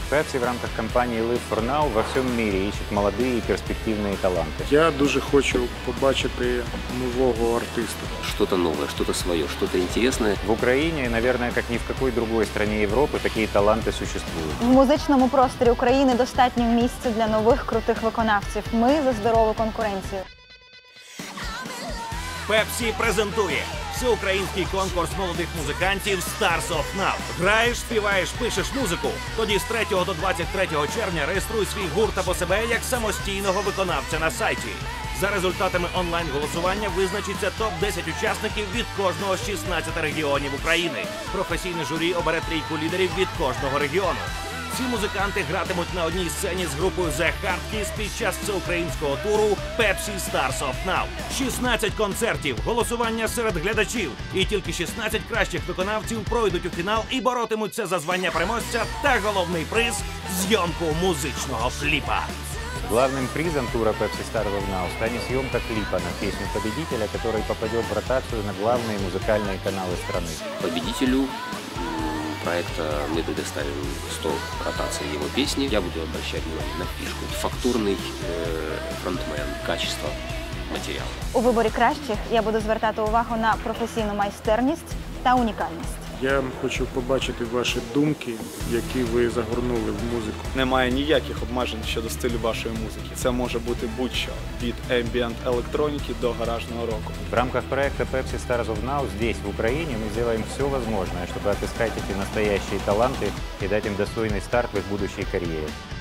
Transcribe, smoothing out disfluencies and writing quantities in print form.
Pepsi в рамках кампании Live for Now во всем мире ищет молодые и перспективные таланты. Я дуже хочу побачити нового артиста. Что-то новое, что-то свое, что-то интересное. В Украине, наверное, как ни в какой другой стране Европы, такие таланты существуют. В музичному просторі України достатньо місця для нових крутих виконавців. Ми за здорову конкуренцію. Пепсі презентує всеукраїнський конкурс молодих музикантів Stars of Now. Граєш, співаєш, пишеш музику. Тоді з 3 до 23 червня реєструй свій гурт або себе як самостійного виконавця на сайті. За результатами онлайн-голосування визначиться топ-10 учасників від кожного з 16 регіонів України. Професійне журі обере трійку лідерів від кожного регіону. Ці музиканти гратимуть на одній сцені з групою The Hardkeys під час всеукраїнського туру Pepsi Stars of Now. 16 концертів, голосування серед глядачів. І тільки 16 кращих виконавців пройдуть у фінал і боротимуться за звання переможця та головний приз – зйомку музичного кліпа. Главным призом тура Pepsi Stars of Now станет съемка клипа на песню победителя, который попадет в ротацию на главные музыкальные каналы страны. Победителю проекта мы предоставим 100 ротаций его песни. Я буду обращать внимание на фишку. Фактурный фронтмен, качество материала. У виборі кращих я буду звертати увагу на професійну майстерність та унікальність. Я хочу побачити ваші думки, які ви загорнули в музику. Немає ніяких обмежень щодо стилю вашої музики. Це може бути будь-що, від ambient електроніки до гаражного року. В рамках проекта Pepsi Stars of Now здесь, в Украине, мы сделаем все возможное, чтобы отыскать эти настоящие таланты и дать им достойный старт в их будущей карьере.